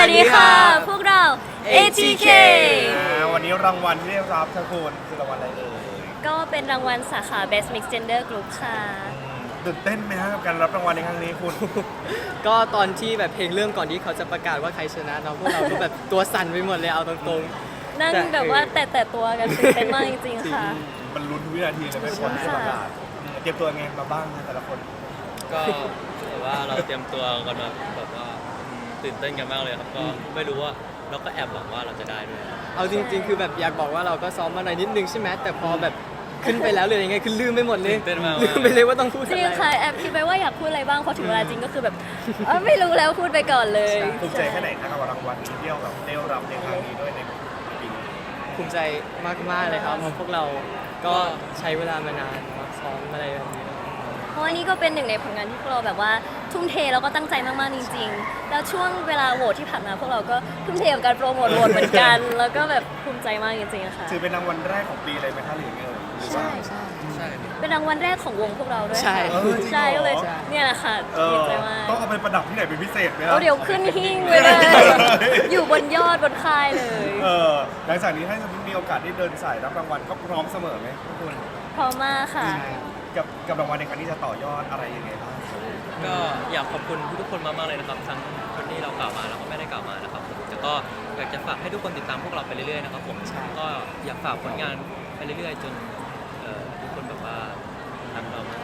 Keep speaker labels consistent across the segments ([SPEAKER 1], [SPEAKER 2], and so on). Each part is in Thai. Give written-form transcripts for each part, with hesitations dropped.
[SPEAKER 1] วัสดีค่ะ พวกเรา ATK
[SPEAKER 2] วันนี้รางวัลที่ได้รับทั้งคนคือรางวัลอะไรเอ่ย
[SPEAKER 1] ก็เป็นรางวัลสาขา Best Mixed Gender Group ค่ะ
[SPEAKER 2] ตื่นเต้นไหมฮะกับการรับรางวัลในครั้งนี้คุณ
[SPEAKER 3] ก็ตอนที่แบบเพลงเริ่มก่อนที่เขาจะประกาศว่าใครชนะเนาะพวกเราก็แบบตัวสั่นไปหมดเลยเอาตรงๆ
[SPEAKER 1] นั่งแบบว่าแต่ตัวกันตื่นเต้นมากจริงๆค่ะ
[SPEAKER 2] มันลุ้นทุกวินาทีเลยไม่ควรที่จะประกาศเตรียมตัวไงมาบ้างนะแต่ละคน
[SPEAKER 4] ก็แบบว่าเราเตรียมตัวกันมาแบบว่าตื่นเต้นกันมากเลยครับก็ไม่รู้ว่าเราก็แอบหวังว่าเราจะได้ด้วยครับ
[SPEAKER 3] เอาจริงๆคือแบบอยากบอกว่าเราก็ซ้อมมาหน่อยนิดนึงใช่ไหมแต่พอแบบขึ้นไปแล้วเลยยังไงคือลืมไปหมดเลย
[SPEAKER 4] ตื่นเต้นมาก
[SPEAKER 3] ลืมไปเลยว่าต้องพูด
[SPEAKER 1] จ
[SPEAKER 3] อะ
[SPEAKER 1] ริง
[SPEAKER 3] ไร
[SPEAKER 1] ค่ะแอบคิดไปว่าอยากพูดอะไรบ้างพอถึงเวลาจริงก็คือแบบไม่รู้แล้วพูดไปก่อนเลย
[SPEAKER 2] ภูมิใจแค่ไหนนะครับกับรางวัลนี้ที่เราแบบได้รับในครั้งนี้ด้วยในปีนี้
[SPEAKER 3] ภูมิใจมากๆเลยครับเพราะพวกเราก็ใช้เวลามานานเนอะซ้อมอะไรแบบนี้
[SPEAKER 1] เพราะว่านี่ก็เป็นหนึ่งในผลงานที่พวกเราแบบว่าทุ่มเทแล้วก็ตั้งใจมากๆจริงๆ แล้วช่วงเวลาโหวตที่ผ่านมาพวกเราก็ทุ่มเทกับการโปรโมทโหวตเหมือนกัน แล้วก็แบบภูมิใจมากจริงๆค่ะ
[SPEAKER 2] ถือเป็นรางวัลแรกของปีเลยไหมคะหรือไงเอ่ยหรือว่า
[SPEAKER 1] ใช่
[SPEAKER 4] ใช่
[SPEAKER 1] เป็นรางวัลแรกของวงพวกเราด้วย
[SPEAKER 3] ใช่
[SPEAKER 1] ค่ะ
[SPEAKER 2] เออจริงเหรอ
[SPEAKER 1] ใช่ก็เลยเนี่ยแหละค่ะ
[SPEAKER 2] เอ
[SPEAKER 1] ดี
[SPEAKER 2] อ
[SPEAKER 1] ใจมาก
[SPEAKER 2] ต้องเอาไปประดับที่ไหนเป็นพิเศษไหมครั
[SPEAKER 1] เอาเดี๋ยวขึ้นหิ้งไปเลย อยู่บนยอดบนค่ายเลย
[SPEAKER 2] หลังจากนี้ถ้าสมมติมีโอกาสได้เดินสายรับรางวัลก็พร้อมเสมอไหมทุกคน
[SPEAKER 1] พร้อมมากค่ะ
[SPEAKER 2] กับรางวัลในครั้งนี้จะต่อยอดอะไรยังไงบ้าง
[SPEAKER 4] ก็อยากขอบคุณทุกๆคนมากๆเลยนะครับทั้งคนที่เรากล่าวมาแล้วก็ไม่ได้กล่าวมานะครับผมแต่ก็อยากจะฝากให้ทุกคนติดตามพวกเราไปเรื่อยๆนะครับผมก็อยากฝากผลงานไปเรื่อยๆจนทุกคนแบบว่ารักเรามาก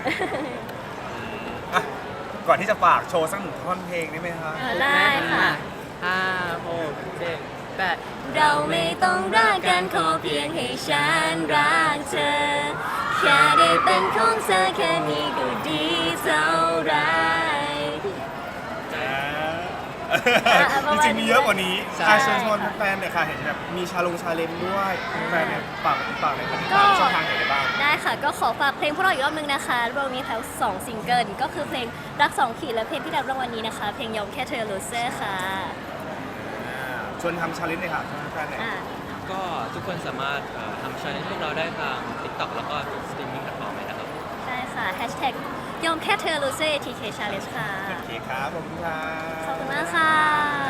[SPEAKER 2] อ่ะก่อนที่จะฝากโชว์สักหนึ่งท่อนเพลงได้ไหมคะ
[SPEAKER 1] ได้ค่ะ
[SPEAKER 3] 5 6 7 8
[SPEAKER 1] เราไม่ต้องรักกันขอเพียงให้ฉันรักเธอ แค่ได้เป็นของเธอแค่นี้ก็ดีเท่าไร
[SPEAKER 2] จริงๆมีเยอะกว่านี้เชิญชวนแฟนๆหน่อยค่ะเห็นแบบมีชาเลนจ์ด้วยแฟนเนี่ยฝากในคดีการช่องทางไหนได้บ้าง
[SPEAKER 1] ได้ค่ะก็ขอฝากเพลงพวกเราอีกรอบนึงนะคะเรามีทั้ง2ซิงเกิลก็คือเพลงรัก2ขีดและเพลงที่ได้รับรางวัลนี้นะคะ เพลงยอมแค่เธอ Loser ค่ะ
[SPEAKER 2] ชวนทำชาเลนจ์เลยค่ะชวนแฟนๆหน่อย
[SPEAKER 1] อ่า
[SPEAKER 4] ก็ทุกคนสามารถทำชาเลนจ์พวกเราได้ทาง TikTok แล้วก็สตรีมมิ่งแพลตฟอร์มเลยนะครับ
[SPEAKER 1] ได้ค่ะ Hashtag ยอมแค่เธอ Loser ATK Challenge ค่ะ
[SPEAKER 2] โอเคครับผมค่ะ
[SPEAKER 1] ขอบคุณมากค่ะ